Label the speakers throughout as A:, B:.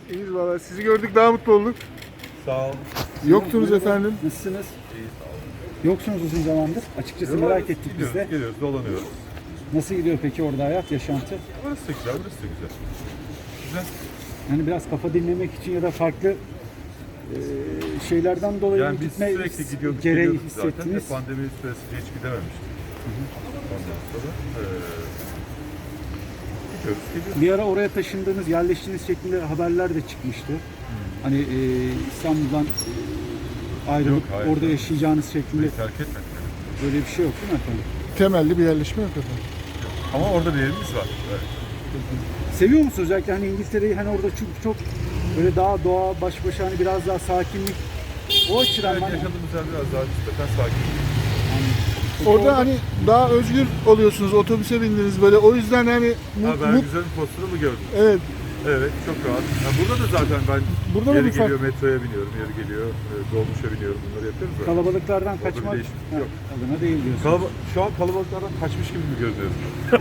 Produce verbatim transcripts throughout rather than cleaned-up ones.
A: İyiyiz valla. Sizi gördük daha mutlu olduk.
B: Sağ olun.
A: Yoktunuz efendim.
C: Nasılsınız?
B: İyi sağ olun.
C: Yoksunuz uzun zamandır. Açıkçası merak ettik biz
B: Gidiyoruz,
C: de.
B: geliyoruz, dolanıyoruz.
C: Nasıl gidiyor peki orada hayat, yaşantı?
B: Burası da güzel, burası da güzel. Güzel.
C: Yani biraz kafa dinlemek için ya da farklı e, şeylerden dolayı
B: Yani
C: mı
B: biz
C: gitme
B: sürekli gidiyorduk,
C: gereği
B: geliyorduk zaten.
C: hissettiniz?
B: Ve pandemi süresince hiç gidememiştik. Ondan sonra ee, gidiyoruz, geliyoruz.
C: Bir ara oraya taşındığınız, yerleştiğiniz şeklinde haberler de çıkmıştı. Hani e, İstanbul'dan e, ayrılıp
B: Yok, hayır,
C: orada
B: hayır.
C: yaşayacağınız şeklinde
B: Burayı terk etmedik. yani.
C: böyle bir şey yok değil mi efendim?
A: Temelli bir yerleşme yok efendim.
B: Ama orada bir evimiz var. Evet.
C: Seviyor musunuz özellikle hani İngiltere'yi, hani orada çünkü çok böyle daha doğa, baş başa hani biraz daha sakinlik, o açıdan
B: Evet,
C: hani,
B: yaşadığımız yer biraz daha nispeten sakin.
A: Orada hani daha özgür oluyorsunuz. Otobüse bindiniz böyle. O yüzden hani
B: Ha,
A: mut,
B: ben
A: mut-
B: güzel bir postunu mu gördüm?
A: evet.
B: Evet, çok rahat. Ha, burada da zaten ben
A: Burada da
B: yeri
A: bir fark-
B: geliyor metroya biniyorum, yeri geliyor e, dolmuşa biniyorum. Bunları yapıyoruz da.
C: kalabalıklardan
B: bir
C: kaçmak
B: değişiklik
C: ha,
B: yok.
C: adına değil diyorsunuz.
B: Kalaba şu an kalabalıklardan kaçmış gibi mi görünüyorum?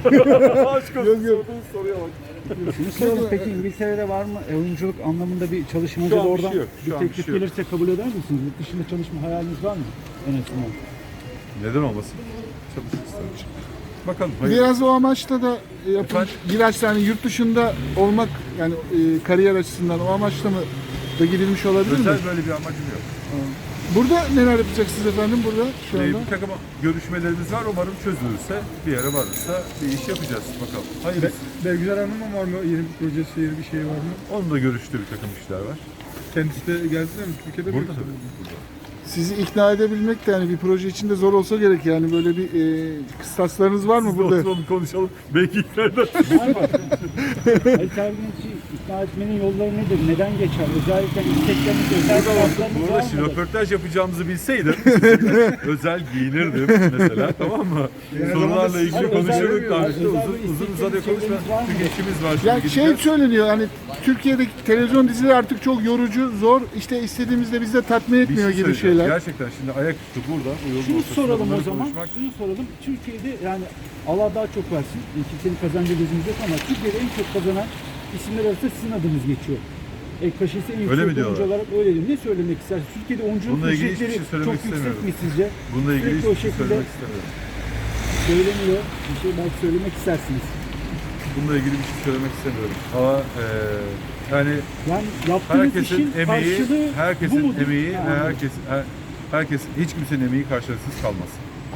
B: Aşk olsun,
A: Yok, yok.
B: sorduğunuz soruya bak.
C: Şunu soralım, peki İngiltere'de var mı e, oyunculuk anlamında bir çalışmacı
B: Şu
C: da
B: an bir
C: oradan
B: şey yok, şu
C: bir
B: an bir
C: teklif
B: şey yok.
C: gelirse kabul eder misiniz? Yurt dışında çalışma hayaliniz var mı? En azından.
B: Neden olmasın? Çalışmak isterim. Bakalım. hayır.
A: Biraz o amaçla da yapın.
B: Efendim?
A: Biraz hani yurt dışında olmak yani e, kariyer açısından o amaçla mı da gidilmiş olabilir mi?
B: Özel böyle bir amacım yok.
A: Burada neler yapacaksınız efendim burada şu
B: Ee,
A: anda?
B: bir takım görüşmelerimiz var. Umarım çözülürse, bir yere varırsa bir iş yapacağız. Bakalım. Hayır.
D: Belgüzel Hanım'ın var mı? Yeni bir projesi, yeni bir şey var mı?
B: Onun da görüştüğü bir takım işler var.
D: Kendisi de gelsin mi? Türkiye'de mi?
B: Burada
D: yoksa?
B: tabii. Burada.
A: Sizi ikna edebilmek de yani bir proje içinde zor olsa gerek yani böyle bir e, kıstaslarınız var mı
B: Biz de
A: burada?
B: oturalım konuşalım. Belki nereden?
C: Var mı? Ali Terginç'i ikna etmenin yolları nedir? Neden geçer? Özellikle istekleriniz, özel
B: Burada,
C: taraflarınız
B: burada
C: var
B: şimdi
C: mıdır?
B: röportaj yapacağımızı bilseydim sizinle özel giyinirdim mesela, tamam mı? Sorularla ilgili
C: Hayır, özel-
B: konuşurduk karşıda
C: özel
B: uzun
C: bir
B: uzun
C: istekleriniz,
B: uzadıya konuşma.
C: şeyleriniz var mı?
B: Çünkü işimiz var şimdi
A: Yani şey
B: gideceğiz.
A: söyleniyor hani Türkiye'deki televizyon dizileri artık çok yorucu, zor. İşte istediğimizde bizi de tatmin
B: Bir
A: etmiyor
B: şey
A: gibi
B: söyleyeceğim.
A: şeyler.
B: Gerçekten şimdi ayaküstü burada bu yolun
C: Şunu
B: ortasında
C: soralım o
B: bunları
C: zaman.
B: konuşmak-
C: Şunu soralım. Türkiye'de yani Allah daha çok versin. Kimsenin kazancı gözümüz yok ama Türkiye'de en çok kazanan isimler arasında sizin adınız geçiyor. Ek kaşesi en yüksek
B: mi
C: oyuncu
B: diyorlar?
C: olarak öyle diyor. Ne söylemek istersiniz? Türkiye'de oyunculuk
B: Bununla ilgili hiçbir
C: ücretleri
B: şey söylemek
C: çok yüksek
B: istemiyorum.
C: mi sizce?
B: Bununla ilgili
C: Sürekli o
B: hiçbir şey
C: şekilde
B: söylemek istemiyorum.
C: söyleniyor. Bir şey belki söylemek istersiniz.
B: Bununla ilgili bir şey söylemek istemiyorum. Ama eee yani
C: Yani yaptığınız
B: herkesin
C: işin
B: emeği,
C: karşılığı bu
B: herkesin
C: mudur?
B: emeği
C: Ha,
B: ve herkes her, herkes hiç kimsenin emeği karşılıksız kalmaz.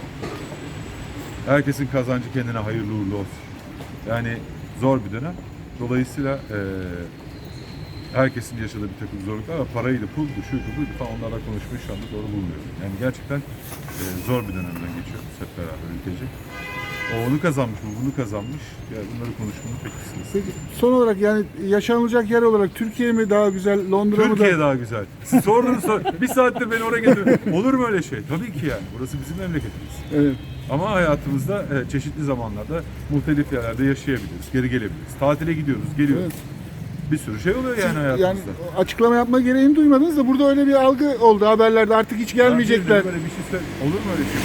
B: Herkesin kazancı kendine hayırlı uğurlu olsun. Yani zor bir dönem. Dolayısıyla eee herkesin yaşadığı bir takım zorluklar var. Paraydı, puldu, şuydu, buydu falan onlarla konuşmayı şu anda doğru bulmuyorum. Yani gerçekten eee, zor bir dönemden geçiyoruz hep beraber ülkece. O onu kazanmış, bu bunu kazanmış. Yani bunları konuşmanın pek kısmısı.
A: Peki, son olarak yani yaşanılacak yer olarak Türkiye mi daha güzel, Londra mı
B: Türkiye
A: da?
B: daha güzel. Siz sordunuz sor. Bir saattir beni oraya getirdin. Olur mu öyle şey? Tabii ki yani. Burası bizim memleketimiz.
A: Evet.
B: Ama hayatımızda e, çeşitli zamanlarda muhtelif yerlerde yaşayabiliriz, geri gelebiliriz. Tatile gidiyoruz, geliyoruz.
A: Evet.
B: Bir sürü şey oluyor yani
A: Yani
B: hayatımızda.
A: açıklama yapma gereğini duymadınız da burada öyle bir algı oldu haberlerde artık hiç gelmeyecekler.
B: Ben Böyle bir şey söyle. Olur mu öyle şey?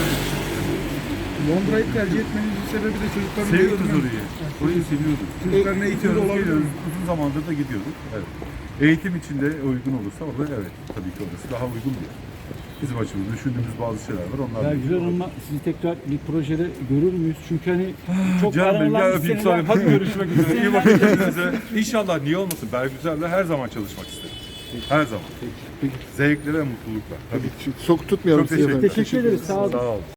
D: Londra'yı tercih etmenizin sebebi de çocukların
B: Seviyoruz
D: eğitimi.
B: orayı. Orayı seviyorduk.
D: Çocukların eğitimi de
B: Gidiyoruz,
D: olabilir.
B: geliyoruz. Uzun zamandır da gidiyorduk. Evet. Eğitim için de uygun olursa orada evet. Tabii ki orası daha uygun bir yer. Bizim açımızda düşündüğümüz bazı şeyler var. Onlar da-
C: Güzel Hanım'la sizi tekrar bir projede görür müyüz? Çünkü hani çok
B: Canım benim
C: aranan
B: ya
C: bir
B: öpeyim
C: seneler-
B: sonra. Hadi görüşmek üzere. İyi bakın kendinize. İnşallah niye olmasın. Bergüzer'le her zaman çalışmak isterim. Her zaman. Zevkle ve mutlulukla. Tabii.
A: Çok tutmayalım
B: Çok
A: sizi efendim.
B: teşekkür
C: Teşekkür ederiz. Sağ olun.
B: Sağ olun.